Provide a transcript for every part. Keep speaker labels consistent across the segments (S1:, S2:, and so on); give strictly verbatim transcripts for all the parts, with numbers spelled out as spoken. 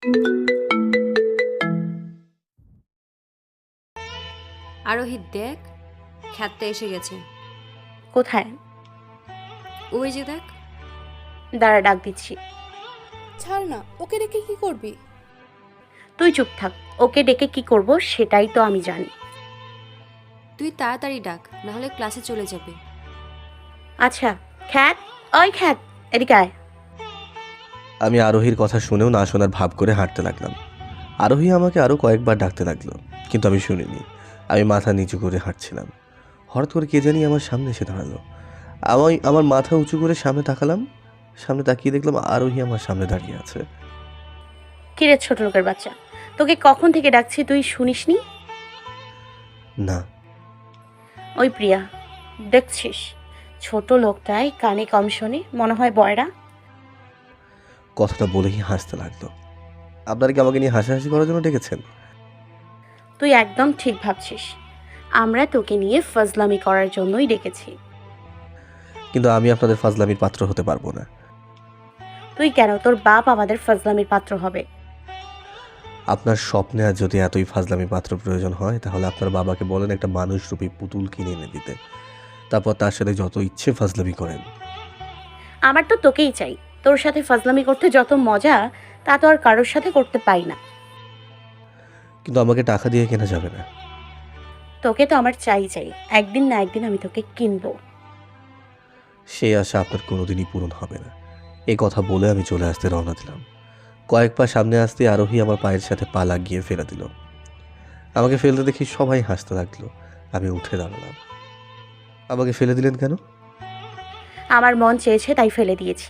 S1: আরোহিত দেখ, খ্যাতটা এসে গেছে।
S2: কোথায়?
S1: ওই যে দেখ।
S2: দাঁড়া, ডাক দিচ্ছি।
S3: ছাড় না, ওকে রেখে কি করবি?
S2: তুই চুপ থাক। ওকে ডেকে কি করব সেটাই তো আমি জানি।
S1: তুই তাড়াতাড়ি ডাক, নাহলে ক্লাসে চলে যাবে।
S2: আচ্ছা, খ্যাত, ওই খ্যাত, এদিকে আয়।
S4: আমি আরোহীর কথা শুনেও না শোনার ভাব করে হাঁটতে লাগলাম। আরোহী আমাকে আরও কয়েকবার ডাকতে লাগলো, কিন্তু আমি শুনিনি। আমি মাথা নিচু করে হাঁটছিলাম। হঠাৎ করে কে জানি আমার সামনে এসে দাঁড়ালো। আমি আমার মাথা উঁচু করে সামনে তাকালাম। সামনে তাকিয়ে দেখলাম আরোহী আমার সামনে দাঁড়িয়ে আছে।
S2: কিরে ছোট লোকের বাচ্চা, তোকে কখন থেকে ডাকছি, তুই শুনিসনি?
S4: না।
S2: ওই প্রিয়া, দেখছিস ছোট লোকটাই কানে কম শোনে, মনে হয় বয়রা।
S4: কথাটা বলেই হাসতে লাগলো। আপনারা কি আমাকে নিয়ে হাসাহাসি করার জন্য ডেকেছেন?
S2: তুই একদম ঠিক ভাবছিস, আমরা তোকে নিয়ে ফজলামি করার জন্যই ডেকেছি।
S4: কিন্তু আমি আপনাদের ফাজলামির পাত্র হতে পারবো না।
S2: তুই কেন, তোর বাপ আমাদের ফজলামির পাত্র হবে।
S4: আপনার স্বপ্নে আর যদি এতই ফাজলামি পাত্র প্রয়োজন হয়, তাহলে আপনার বাবাকে বলেন একটা মানুষরূপী পুতুল কিনে এনে দিতে, তারপর তার সাথে যত ইচ্ছে ফাজলামি করেন।
S2: আমার তো তোকেই চাই। তোর সাথে ফজলামি করতে যত মজা, তা তো আর কারোর সাথে করতে পাই না।
S4: কিন্তু আমাকে টাকা দিয়ে কেনা যাবে না।
S2: তোকে তো আমার চাই চাই, একদিন না একদিন আমি তোকে কিনবো।
S4: সেই আশা আপনার কোনোদিনই পূরণ হবে না। এই কথা বলে আমি চলে আসতে রওনা দিলাম। কয়েক পা সামনে আসতে আরোহী আমার পায়ের সাথে পা লাগিয়ে ফেলে দিল। আমাকে ফেলতে দেখি সবাই হাসতে লাগলো। আমি উঠে দাঁড়ালাম। আমাকে ফেলে দিলেন কেন?
S2: আমার মন চেয়েছে তাই ফেলে দিয়েছি।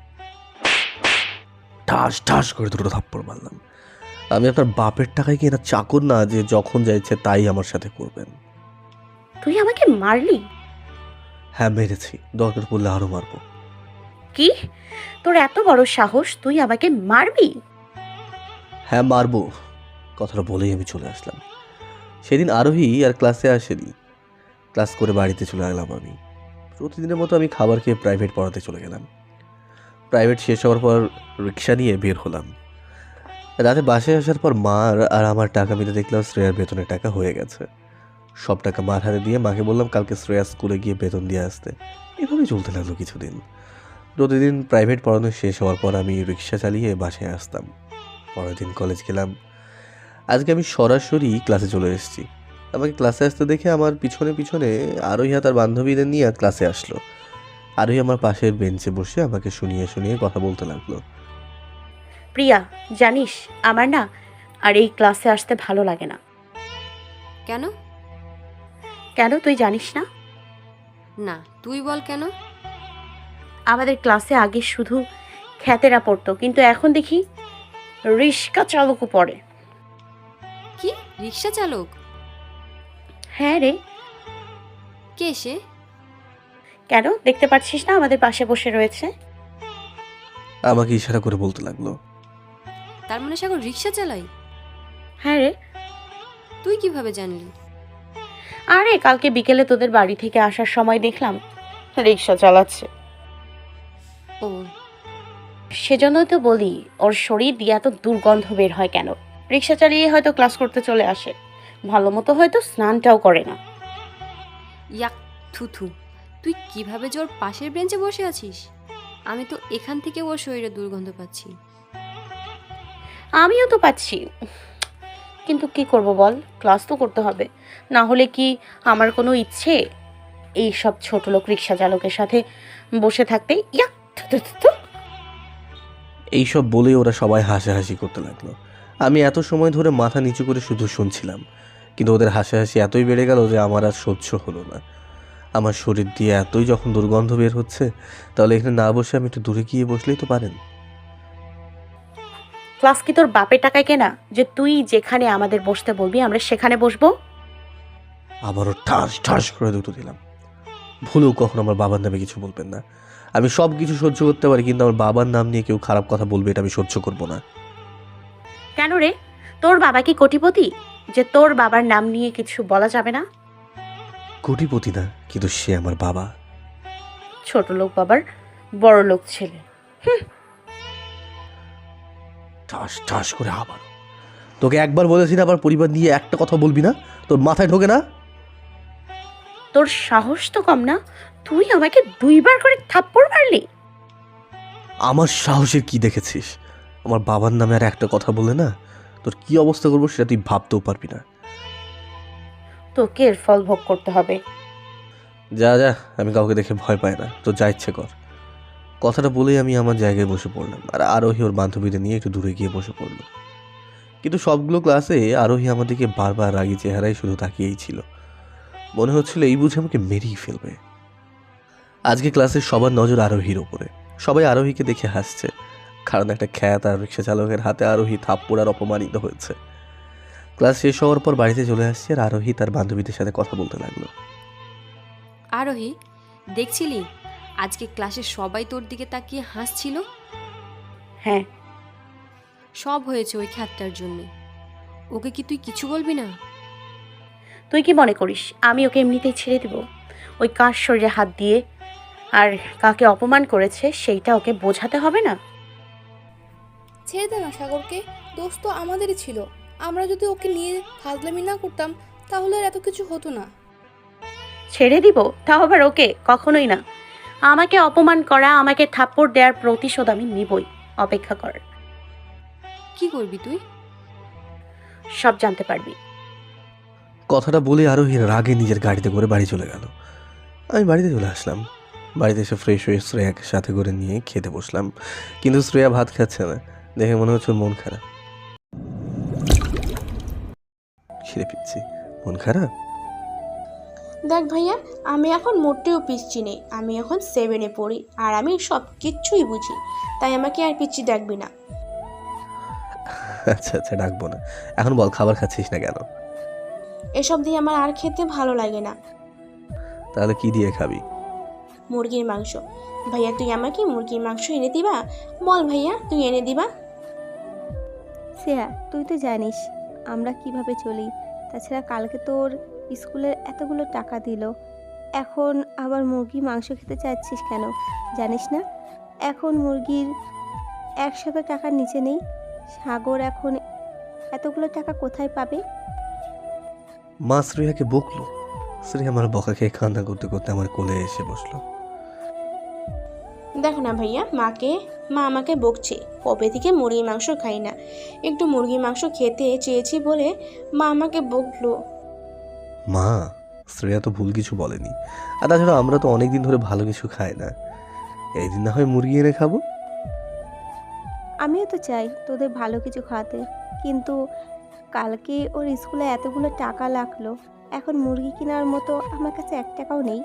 S4: ঠাস ঠাস করে দুটো থাপ্পড় মারলাম। আমি আপনার বাপের টাকায় কি না চাকর না যে যখন যা ইচ্ছে তাই আমার সাথে করবেন?
S2: তুই আমাকে মারলি?
S4: হ্যাঁ, মেরেছি, দরকার পড়লে আরো মারবো।
S2: কি? তোর এত বড় সাহস, তুই আমাকে মারবি?
S4: হ্যাঁ, মারবো। কথাটা বলেই আমি চলে আসলাম। সেদিন আরোহী আর ক্লাসে আসেনি। ক্লাস করে বাড়িতে চলে গেলাম আমি। প্রতিদিনের মতো আমি খাবার খেয়ে প্রাইভেট পড়াতে চলে গেলাম। প্রাইভেট শেষ হওয়ার পর রিক্সা নিয়ে বের হলাম। রাতে বাসায় আসার পর মার আর আমার টাকা মিলে দেখলাম শ্রেয়ার বেতনের টাকা হয়ে গেছে। সব টাকা মার হাতে দিয়ে মাকে বললাম কালকে শ্রেয়া স্কুলে গিয়ে বেতন দিয়ে আসতে। এভাবে চলতে লাগলো কিছুদিন। প্রতিদিন প্রাইভেট পড়ানো শেষ হওয়ার পর আমি রিক্সা চালিয়ে বাসায় আসতাম। পরের দিন কলেজ গেলাম। আজকে আমি সরাসরি ক্লাসে চলে এসেছি। আমাকে ক্লাসে আসতে দেখে আমার পিছনে পিছনে আরোহী তার বান্ধবীদের নিয়ে ক্লাসে আসলো। আরোহী আমার পাশের বেঞ্চে বসে আমাকে শুনিয়ে শুনিয়ে কথা বলতে লাগলো।
S2: প্রিয়া, জানিস আমার না আর এই ক্লাসে আসতে ভালো লাগে না।
S1: কেন?
S2: কেন তুই জানিস না?
S1: না, তুই বল কেন।
S2: আমাদের ক্লাসে আগে শুধু খ্যাতেরা পড়তো, কিন্তু এখন দেখি রিক্সা চালকও পড়ে।
S1: কি, রিক্সা চালক?
S2: হ্যাঁ রে।
S1: কে সে?
S2: কেন দেখতে পাচ্ছিস না আমাদের পাশে বসে রয়েছে?
S4: আমাকে ইশারা করে বলতে লাগলো।
S1: তার মানে সে এখন রিক্সা চালাই?
S2: হ্যাঁ রে।
S1: তুই কিভাবে জানলি?
S2: আরে কালকে বিকেলে তোদের বাড়ি থেকে আসার সময় দেখলাম রিক্সা চালাচ্ছে।
S1: ও,
S2: সেজন্য তো বলি, ওর শরীর দিয়ে এত দুর্গন্ধ বের হয় কেন? রিক্সা চালিয়ে হয়তো ক্লাস করতে চলে আসে, ভালো মতো হয়তো স্নানটাও করে না।
S1: ইয়াক, থুথু। তুই কিভাবে যে ওর পাশের বেঞ্চে বসে আছিস? আমি তো এখান থেকে ওর শরীরে দুর্গন্ধ পাচ্ছি।
S2: আমিও তো পাচ্ছি, কিন্তু কি করব বল, ক্লাস তো করতে হবে। না হলে কি আমার কোনো ইচ্ছে এই সব ছোট লোক রিক্সা চালকের সাথে বসে থাকতে? ইয়াক, থু, থু, থু, থু।
S4: এইসব বলে ওরা সবাই হাসাহাসি করতে লাগলো। আমি এত সময় ধরে মাথা নিচু করে শুধু শুনছিলাম, কিন্তু ওদের হাসাহাসি এতই বেড়ে গেল যে আমার আর সহ্য হলো না। আমার শরীর দিয়ে এতই যখন দুর্গন্ধ বের হচ্ছে, তাহলে এখানে না বসে আমি একটু দূরে গিয়ে বসলেই তো পারেন।
S2: ক্লাস কি তোর বাপের টাকায় কেনা যে তুই যেখানে আমাদের বসতে বলবি আমরা সেখানে বসবো?
S4: আবারও ঠাস ঠাস করে দুটো দিলাম। ভুলেও কখনো আমার বাবার নামে কিছু বলবেন না। আমি সব কিছু সহ্য করতে পারি, কিন্তু আমার বাবার নাম নিয়ে কেউ খারাপ কথা বলবে এটা আমি সহ্য করব না।
S2: কেন রে, তোর বাবা কি কোটিপতি যে তোর বাবার নাম নিয়ে কিছু বলা যাবে না?
S4: কোটিপতি না, কিন্তু সে আমার বাবা।
S2: ছোট লোক বাবার বড় লোক ছেলে।
S4: ঠাস ঠাস করে আবার। তোকে একবার বলেছি না আবার পরিবার নিয়ে একটা কথা বলবি না, তোর মাথায় ঢোকে না?
S2: তোর সাহস তো কম না, তুই আমাকে দুইবার করে থাপ্পড় মারলি।
S4: আমার সাহসের কি দেখেছিস? আমার বাবার নামে আর একটা কথা বলে না, তোর কি অবস্থা করবো সেটা তুই ভাবতেও পারবি না।
S2: তোকে এর ফল ভোগ করতে হবে।
S4: যা যা, আমি কাউকে দেখে ভয় পাই না, তো যা ইচ্ছে কর। কথাটা বলেই আমি আমার জায়গায় বসে পড়লাম, আর আরোহী ওর বান্ধবীদের নিয়ে একটু দূরে গিয়ে বসে পড়ল। কিন্তু সবগুলো ক্লাসে আরোহী আমাদেরকে বারবার রাগী চেহারায় শুধু তাকিয়েই ছিল। মনে হচ্ছিল এই বুঝে আমাকে মেরেই ফেলবে। আজকে ক্লাসের সবার নজর আরোহীর ওপরে। সবাই আরোহীকে দেখে হাসছে, কারণ একটা খ্যাত আর রিক্সা চালকের হাতে আরোহী থাপ্পড় আর অপমানিত হয়েছে। ক্লাস শেষ হওয়ার পর বাড়িতে চলে আসছে, আর আরোহী তার বান্ধবীদের সাথে কথা বলতে লাগলো।
S1: আরোহী, দেখছিলি আজকে ক্লাসে সবাই তোর দিকে তাকিয়ে হাসছিল?
S2: হ্যাঁ,
S1: সব হয়েছে ওই খ্যাতটার জন্যে। ওকে কি তুই কিছু বলবি না?
S2: তুই কি মনে করিস আমি ওকে এমনিতেই ছেড়ে দিব? ওই কার শরীরে হাত দিয়ে আর কাকে অপমান করেছে সেইটা ওকে বোঝাতে হবে না?
S3: ছেড়ে দে না সাগরকে, দোষ তো আমাদেরই ছিল। আমরা যদি ওকে নিয়ে ফাজলামি না করতাম তাহলে আর এত কিছু হতো না।
S2: ছেড়ে দিব? তাও আবার ওকে? কখনোই না। আমাকে অপমান করা, আমাকে থাপ্পড় দেওয়ার প্রতিশোধ আমি নিবই। অপেক্ষা কর,
S1: কি করবি তুই?
S2: সব জানতে পারবি।
S4: কথাটা বলে আরোহী রাগে নিজের গাড়িতে করে বাড়ি চলে গেল। আমি বাড়িতে চলে আসলাম। বাড়িতে এসে ফ্রেশ হয়ে শ্রেয়াকে সাথে করে নিয়ে খেতে বসলাম, কিন্তু শ্রেয়া ভাত খাচ্ছে না, দেখে মনে হচ্ছে ওর মন খারাপ। খিদে পিচ্ছি, মন খারাপ।
S5: দেখ ভাইয়া, আমি এখন মোটেও পিচ্ছি নেই। আমি এখন সেভেনে পড়ি আর আমি সব কিচ্ছুই বুঝি, তাই আমাকে আর পিচ্ছি ডাকবি না।
S4: আচ্ছা আচ্ছা, ডাকবো না। এখন বল, খাবার খাচ্ছিস না কেন?
S5: এসব দিয়ে আমার আর খেতে ভালো লাগে না।
S4: তাহলে কি দিয়ে খাবি?
S5: মুরগির মাংস। ভাইয়া তুই আমাকে মুরগির মাংস এনে দিবা? বল ভাইয়া, তুই এনে দিবা?
S6: শ্রেয়া, তুই তো জানিস আমরা কিভাবে চলি। তাছাড়া কালকে তোর স্কুলের এতগুলো টাকা দিল, এখন আবার মুরগি মাংস খেতে চাচ্ছিস কেন? জানিস না এখন মুরগির একশত টাকার নিচে নেই। সাগর এখন এতগুলো টাকা কোথায় পাবে?
S4: মা শ্রেয়াকে বকলো। শ্রেয়া আমার বকা খেয়ে কান্না করতে করতে আমার কোলে এসে বসলো।
S5: দেখো না ভাইয়া, মাকে মা আমাকে বকছে, কবে থেকে মুরগির মাংস খাই না। একটু মুরগির মাংস খেতে চেয়েছি বলে মা আমাকে বকলো।
S4: মা, শ্রেয়া তো ভুল কিছু বলেনি। আর তাছাড়া আমরা তো অনেকদিন ধরে ভালো কিছু খাই না, এই দিন না হয় মুরগি এনে খাবো।
S6: আমিও তো চাই তোদের ভালো কিছু খাওয়াতে, কিন্তু কালকে ওর স্কুলে এতগুলো টাকা লাগলো, এখন মুরগি কেনার মতো আমার কাছে এক টাকাও নেই।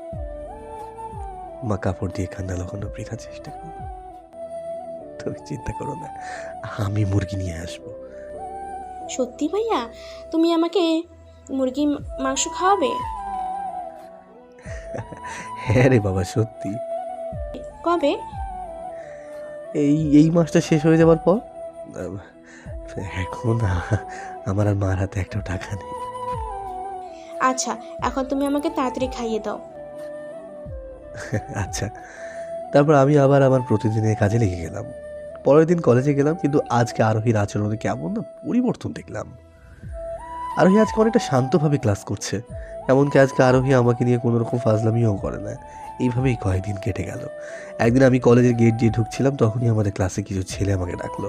S4: মা কাপড় দিয়ে কান্না লাগানো বৃথা চেষ্টা করবো। তুমি চিন্তা করো না, আমি মুরগি নিয়ে আসবো।
S5: সত্যি ভাইয়া, তুমি আমাকে মুরগির মাংস খাওয়াবে?
S4: হ্যাঁ রে বাবা, সত্যি।
S5: কবে?
S4: এই এই মাসটা শেষ হয়ে যাবার পর। আহ, এখন আ- আমার আর মার হাতে একটাও টাকা নেই।
S5: আচ্ছা, এখন তুমি আমাকে তাড়াতাড়ি খাইয়ে দাও।
S4: আচ্ছা। তারপর আমি আবার আমার প্রতিদিনের কাজে লেগে গেলাম। পরের দিন কলেজে গেলাম, কিন্তু আজকে আরোহীর আচরণে কেমন না পরিবর্তন দেখলাম। আরোহী আজকে অনেকটা শান্তভাবে ক্লাস করছে, এমনকি আজকে আরোহী আমাকে নিয়ে কোনো রকম ফাজলামিও করে না। এইভাবেই কয়েকদিন কেটে গেল। একদিন আমি কলেজের গেট দিয়ে ঢুকছিলাম, তখনই আমাদের ক্লাসে কিছু ছেলে আমাকে ডাকলো।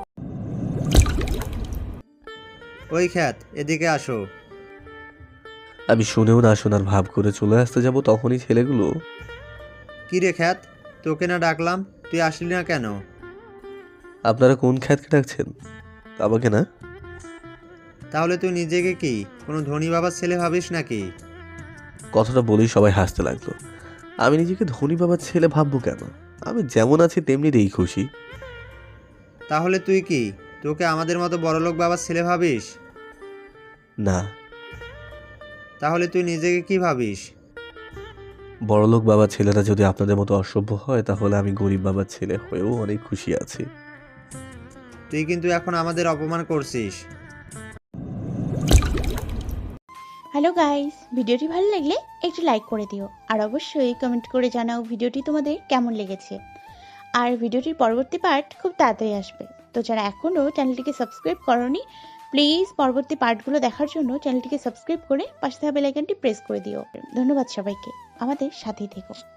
S7: ওই খ্যাত, এদিকে আসো।
S4: আমি শুনেও না শোনার ভাব করে চলে আসতে যাব, তখনই ছেলেগুলো,
S7: কি রে খ্যাত, তোকে না ডাকলাম, তুই আসলি না কেন?
S4: আপনারা কোন খ্যাতকে ডাকছেন? আমাকে না।
S7: তাহলে তুই নিজেকে কি কোনো ধনী বাবার ছেলে ভাবিস নাকি?
S4: কথাটা বলেই সবাই হাসতে লাগলো। আমি নিজেকে ধনী বাবার ছেলে ভাববো কেন? আমি যেমন আছি তেমনিতেই খুশি।
S7: তাহলে তুই কি তোকে আমাদের মতো বড়লোক বাবার ছেলে ভাবিস?
S4: না,
S7: তাহলে তুই নিজেকে কি ভাবিস?
S4: বড়লোক বাবার ছেলেরা যদি আপনাদের মতো অসভ্য হয়, তাহলে আমি গরিব বাবার ছেলে হয়েও অনেক খুশি আছি।
S7: তুই কিন্তু এখন আমাদের অপমান করছিস।
S8: হ্যালো গাইস, ভিডিওটি ভালো লাগলে একটু লাইক করে দিও আর অবশ্যই কমেন্ট করে জানাও ভিডিওটি তোমাদের কেমন লেগেছে। আর ভিডিওটির পরবর্তী পার্ট খুব তাড়াতাড়ি আসবে, তো তো যারা এখনও চ্যানেলটিকে সাবস্ক্রাইব করনি প্লিজ পরবর্তী পার্টগুলো দেখার জন্য চ্যানেলটিকে সাবস্ক্রাইব করে পাশে থাকা বেল আইকনটি প্রেস করে দিও। ধন্যবাদ সবাইকে, আমাদের সাথেই থেকো।